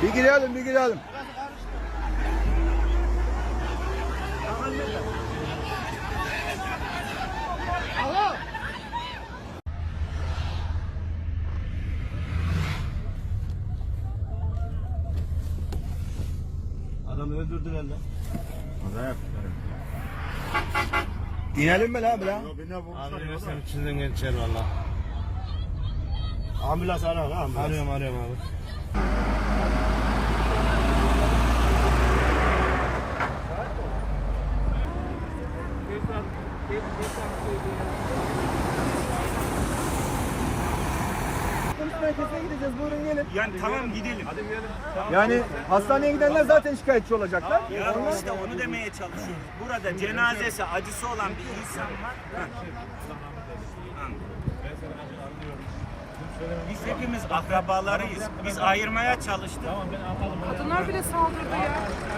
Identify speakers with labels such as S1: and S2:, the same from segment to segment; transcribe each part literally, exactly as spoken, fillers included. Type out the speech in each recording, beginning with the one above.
S1: Bir girelim, bir girelim.
S2: Adamı öldürdüler lan.
S1: Acayip. İnelim mi lan lan?
S2: Abi sen içinden geçer valla. Ambulans ara lan ambulans. Arıyorum arıyorum abi.
S1: Merkezine gideceğiz. Buyurun gelin.
S3: Yani tamam gidelim. Hadi gidelim.
S1: Yani hastaneye gidenler zaten şikayetçi olacaklar.
S3: Ya işte onu demeye çalışıyoruz. Burada cenazesi, acısı olan bir insan var. Biz hepimiz akrabalarıyız. Biz ayırmaya çalıştık.
S4: Kadınlar bile saldırdı ya.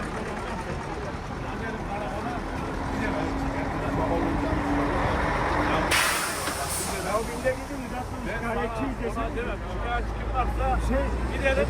S3: Ya günde gidin zaten şikayetçiyiz desin. Şikayetçi kim varsa şey gidelim.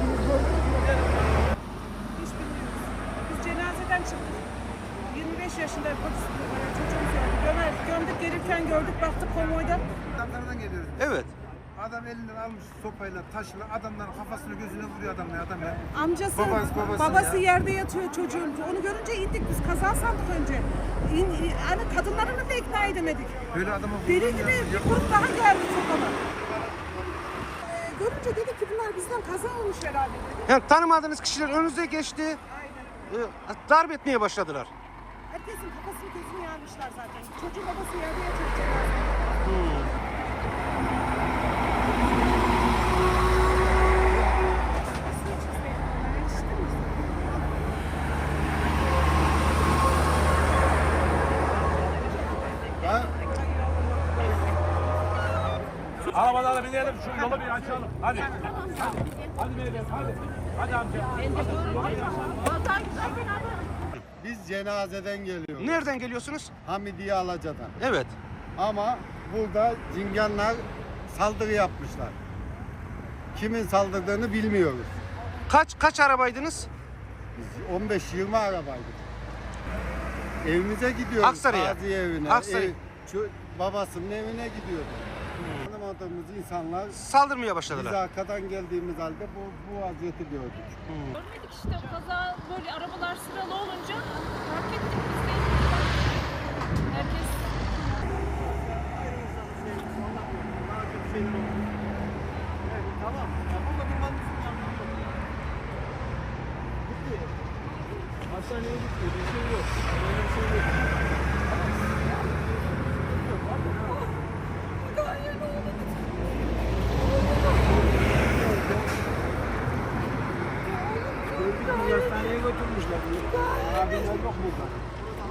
S4: Hiç bilmiyoruz. Biz cenazeden çıktık. yirmi beş yaşında polis çocuğumuz oldu. Gömer, gömdük gelirken gördük baktık konvoyda.
S5: Adamlardan geliyoruz.
S1: Evet.
S5: Adam elinden almış sopayla, taşla adamların kafasını gözüne vuruyor adam ya adam ya.
S4: Amcası,
S5: Babası,
S4: babası,
S5: babası ya.
S4: yerde yatıyor çocuğun. Onu görünce indik biz kaza sandık önce. İn, in, hani kadınlarını da ikna edemedik.
S5: Böyle adama
S4: Deli
S5: vurulur
S4: gibi
S5: ya.
S4: bir grup daha geldi sokana. Ee, görünce dedik ki bunlar bizden kaza olmuş herhalde dedik.
S6: Yani tanımadığınız kişiler önünüze geçti,
S4: Aynen.
S6: e, darp etmeye başladılar.
S4: Herkesin kafasını gözünü yarmışlar zaten. Çocuğun babası yerde yatıyor cenazede.
S2: Arabalara binelim şu yolu bir açalım. Hadi. Hadi. Hadi beyler hadi. Hadi amca.
S7: Biz cenazeden geliyoruz.
S6: Nereden geliyorsunuz?
S7: Hamidiye Alaca'dan.
S6: Evet.
S7: Ama burada cinganlar saldırı yapmışlar. Kimin saldırdığını bilmiyoruz.
S6: Kaç kaç arabaydınız?
S7: Biz on beş yirmi arabaydık. Evimize gidiyoruz.
S6: Aksaray'a.
S7: Gazi evine.
S6: Aksaray.
S7: Ev, şu babasının evine gidiyorduk. Tanımadığımız insanlar
S6: Saldırmaya
S7: biz
S6: başladılar.
S7: arkadan geldiğimiz halde bu, bu vaziyeti gördük.
S8: Görmedik işte kaza böyle arabalar sıralı olunca fark ettik biz de. Herkes
S2: Hastaneye gitti. Bir şey yok. Böyle bir şey yok. Hastaneye götürmüşler. Abiler yok burada.